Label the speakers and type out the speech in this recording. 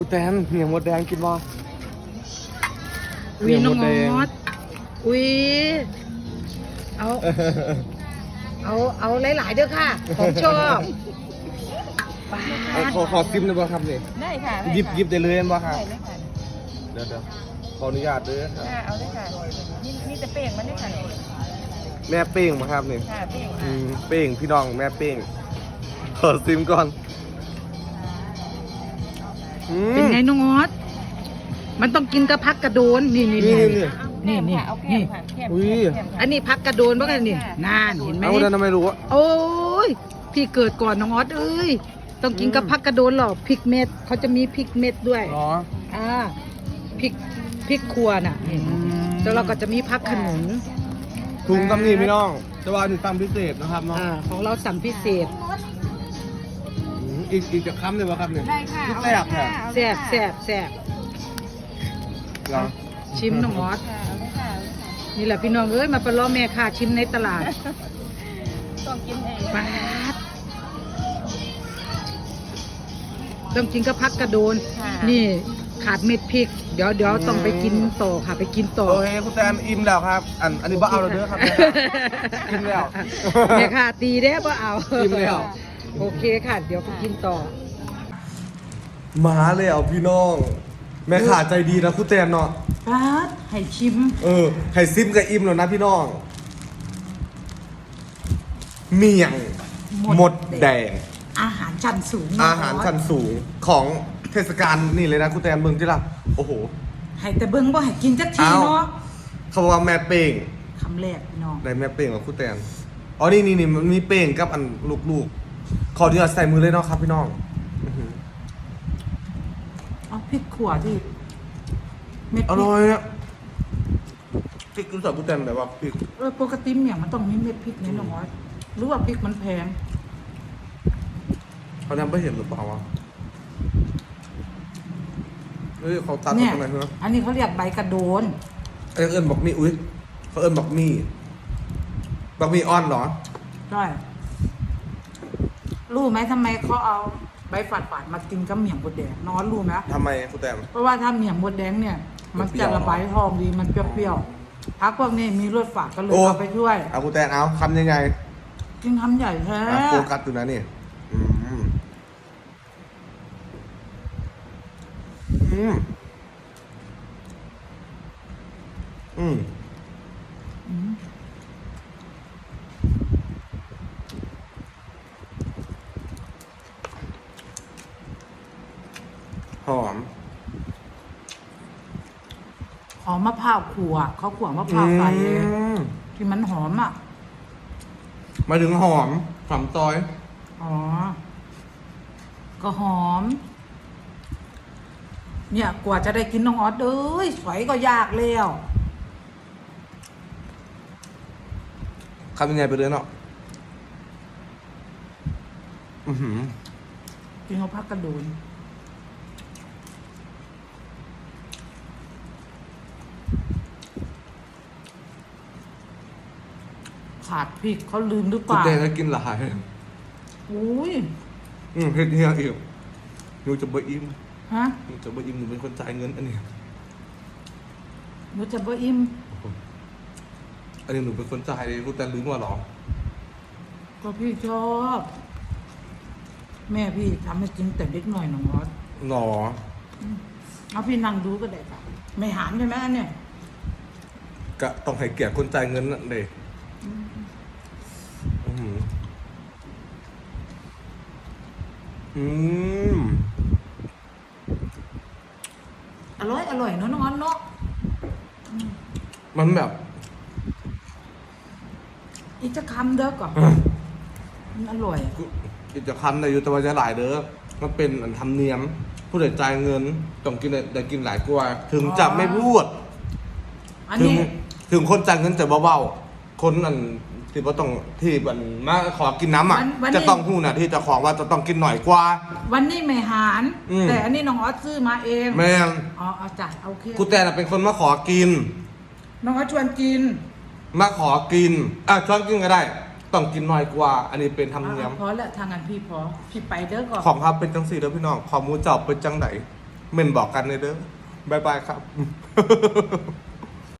Speaker 1: แตนเหนียวหมดแดงกินบ่
Speaker 2: อุ้ยน้องมอสอุ้ยเอาหลายๆเด้อค่ะของชอบ
Speaker 1: ขอซิมได้บ่ครับนี่
Speaker 3: ได้ค่ะ
Speaker 1: หยิบได้เลยบ่ครับ
Speaker 3: ได้เลยค่ะ
Speaker 1: เดี๋ยวขออนุญาตเด้อครับ
Speaker 3: เอาเลยค่ะนี่จะเป้งมันได้ค่ะ
Speaker 1: แม่เป้งบ่ครับนี่
Speaker 3: ค่ะเป้ง
Speaker 1: เป้งพี่น้องแม่เป้งขอซิมก่อน
Speaker 2: เป็นไงน้องมอสมันต้องกินกับพักกระโดนนี่
Speaker 3: เอาแก้มค่ะแก้ม
Speaker 2: อันนี้พักกระโดนบ้างกันนี่นานเห็นไหม
Speaker 1: เอาแล้วทำไมรู้
Speaker 2: โอ้ยพี่เกิดก่อนน้องมอสเอ้ยต้องกินกับพักกระโดนหรอพริกเม็ดเขาจะมีพริกเม็ดด้วย
Speaker 1: อ๋อ
Speaker 2: พริกครัวน่ะแล้วเราก็จะมีพักขนุน
Speaker 1: ถุงตำนี่พี่น้องจะว่าถึงตำพิเศษนะครับเนาะ
Speaker 2: ของเราสั่งพิเศษ
Speaker 1: อีกจะค้ำเลยป่ะครับเนี่ย
Speaker 3: ได้ค่ะ
Speaker 1: แซ่บค่ะ
Speaker 2: แซ่บชิมน้องมอสนี่แหละพี่น้องเอ้ยมาประล้อแม่ค่ะชิมในตลาด
Speaker 3: ต้องกินเอง
Speaker 2: ป๊าดต้องกินกับพักกระโดนนี่ขาดเม็ดพริกเดี๋ยวต้องไปกินต่อค่ะไปกินต่อ
Speaker 1: โอเคคุณแตนอิ่มแล้วครับอันนี้บ่เอาแล้วเด้อครับกินแล้ว
Speaker 2: แม่ค่ะตีได้บ่เอา
Speaker 1: อิ่มแล้ว
Speaker 2: โอเคค่ะเดี๋ยวไปกินต่อ
Speaker 1: มาแล้วพี่น้องแม่ขาใจดีนะคุณแตนเนาะ
Speaker 2: ป๊าดให้ชิม
Speaker 1: ไข่ซิมกับอิ่มแล้วนะพี่น้องเมี่ยงหมดแดง
Speaker 2: อาหารชั้นสูง
Speaker 1: อาหารชั้นสูงของเทศกาลนี่เลยนะคุณแตนเบิ่งที่ละโอ้โห
Speaker 2: ให้แต่เบิ่งบ่ให้กินจักทีเนาะ
Speaker 1: เขาบอกว่าแม่เป้ง
Speaker 2: คำแรกพี่น้อง
Speaker 1: ได้แม่เป้งกับคุณแตนอ๋อนี่มันมีเป้งกับอันลูกๆขอเดี๋ยวใส่มือเลยเนาะครับพี่น้อง
Speaker 2: เอาพริกขั่วที่
Speaker 1: เม็ดอร่อยอะพริกรู้สึกคุณแตนแบบว่าพริก
Speaker 2: ปกติเนี่ยมันต้องมีเม็ดพริกนี่น้องหรือว่าพริกมันแพง
Speaker 1: เขาทำไม่เห็นหรือเปล่าวะเขาตัดตรงไหนเหรอ
Speaker 2: อันนี้เขาเรียกใบกระโดน
Speaker 1: เอิญบอกมีอุ้ยเขาเอิญบอกมีอ้อนเหรอ
Speaker 2: ใช่รู้ไหมทำไมเขาเอาใบฝาดมากินกับเมี่ยงมดแดงน้องรู้ไหม
Speaker 1: ทำไมคุณแตม
Speaker 2: เพราะว่าถ้าเมี่ยงมดแดงเนี่ยมันจะระบายท้องดีมันเปรี้ยวๆพักพวกนี้มีรสฝาดก็เลยเอาไปช่วย
Speaker 1: เอาคุณแตมเอาคำยังไง
Speaker 2: กินคำใหญ่แท้
Speaker 1: โฟกัสอยู่นะนี่หอม
Speaker 2: มะพร้าวขั่วเขาขั่วมะพร้าวใส่ที่มันหอมอ่ะ
Speaker 1: มาถึงหอมซอย
Speaker 2: ก็หอมเนี่ยกว่าจะได้กินน้องออสสวยก็ยากแล้ว
Speaker 1: คำยังไงไปเลยเนาะ
Speaker 2: กินเขาพักกระโดนขาดพริกเขาลืมหรือเปล่า
Speaker 1: คุณเต้ก็กินหลาย
Speaker 2: อุ้ย
Speaker 1: เฮ็ดเฮียอีกหนูจะบ่อิ่ม
Speaker 2: ฮะ
Speaker 1: หนูจะบ่อิ่มหนูเป็นคนจ่ายเงินอันนี้
Speaker 2: หนูจะบ่อิ่ม
Speaker 1: อันนี้หนูเป็นคนจ่ายเลยคุณแต่ลืมว่าหรอ
Speaker 2: ก็พี่ชอบแม่พี่ทำให้กินแต่เล็กหน่อยน้องมอส
Speaker 1: หรอ
Speaker 2: เอาพี่นั่งดูก็ได้ค่ะไม่หามใช่ไหมอันเนี้ย
Speaker 1: ก็ต้องให้เกียรติคนจ่ายเงินนั่นเอง
Speaker 2: อร่อยเนาะน้องเนาะ
Speaker 1: มันแบบ
Speaker 2: อีกจะคำเด้อก่อนมันอร่อย
Speaker 1: อีกจะคำในอยู่แต่ว่าจะหลายเด้อมันเป็นอันทำเนียมผู้ใดจ่ายเงินต้องกินได้กินหลายกว่าถึงจะไม่พูดถึงคนจ่ายเงินจะเบาๆคนอันที่ว่าต้องที่มันมาขอกินน้ำอ่ะจะต้องพูดนะที่จะขอว่าจะต้องกินหน่อยกว่า
Speaker 2: วันนี้ไม่หารแต่อันนี้น้องออสซื้อมาเอง
Speaker 1: แม่
Speaker 2: เอาจ้ะโอเค
Speaker 1: กูแต่เป็นคนมาขอกิน
Speaker 2: น้องออสชวนกิน
Speaker 1: มาขอกินชวนกินก็ได้ต้องกินหน่อยกว่าอันนี้เป็นธรรมเนียม
Speaker 2: พอแล้วทางงานพี่ไปเด้อก่อน
Speaker 1: ของครับเป็นจังสี่เด้อพี่น้องของมูเจ้าเป็นจังไหนเม่นบอกกันเลยเด้อบ๊ายบายครับ